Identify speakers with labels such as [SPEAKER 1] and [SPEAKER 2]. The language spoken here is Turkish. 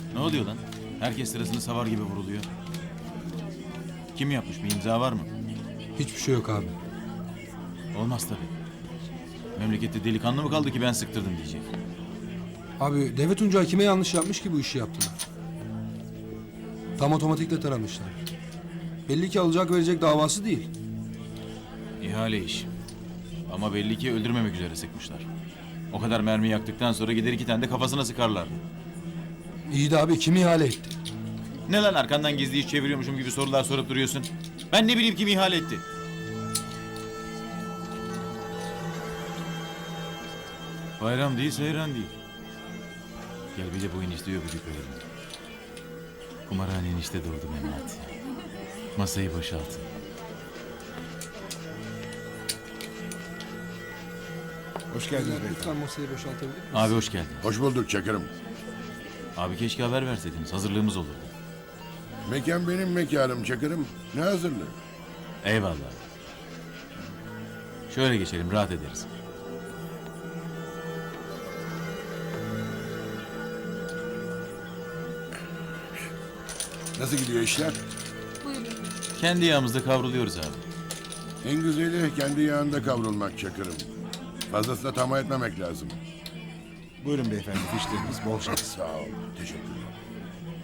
[SPEAKER 1] Ne oluyor lan? Herkes sırasını savar gibi vuruluyor. Kim yapmış? Bir imza var mı?
[SPEAKER 2] Hiçbir şey yok abi.
[SPEAKER 1] Olmaz tabii. Memlekette delikanlı mı kaldı ki ben sıktırdım diyecek.
[SPEAKER 2] Abi Devlet Tunca kime yanlış yapmış ki bu işi yaptılar? Tam otomatikle taramışlar. Belli ki alacak verecek davası değil.
[SPEAKER 1] İhale iş. Ama belli ki öldürmemek üzere sıkmışlar. O kadar mermi yaktıktan sonra gider 2 tane de kafasına sıkarlardı.
[SPEAKER 2] İyi de abi kim ihale etti?
[SPEAKER 1] Ne lan arkandan gizli iş çeviriyormuşum gibi sorular sorup duruyorsun? Ben ne bileyim kim ihale etti? Bayram değil, seyran değil. Gel bir de bu enişte öpücük verelim. Kumarhane enişte doğdu Mehmet. Masayı boşaltın.
[SPEAKER 3] Hoş geldiniz
[SPEAKER 2] Lütfen
[SPEAKER 3] beyefendi.
[SPEAKER 2] masayı boşaltabilir miyiz?
[SPEAKER 1] Abi hoş geldin.
[SPEAKER 4] Hoş bulduk Çakır'ım.
[SPEAKER 1] Abi keşke haber verseydiniz. Hazırlığımız olurdu.
[SPEAKER 4] Mekan benim mekanım Çakır'ım. Ne hazırlığı?
[SPEAKER 1] Eyvallah. Şöyle geçelim, rahat ederiz.
[SPEAKER 4] Nasıl gidiyor işler?
[SPEAKER 1] Kendi yağımızda kavruluyoruz abi.
[SPEAKER 4] En güzeli kendi yağında kavrulmak Çakır'ım. Fazlasıyla tamah etmemek lazım.
[SPEAKER 3] Buyurun beyefendi, fişleriniz bol şans.
[SPEAKER 4] Sağ ol. Teşekkürler.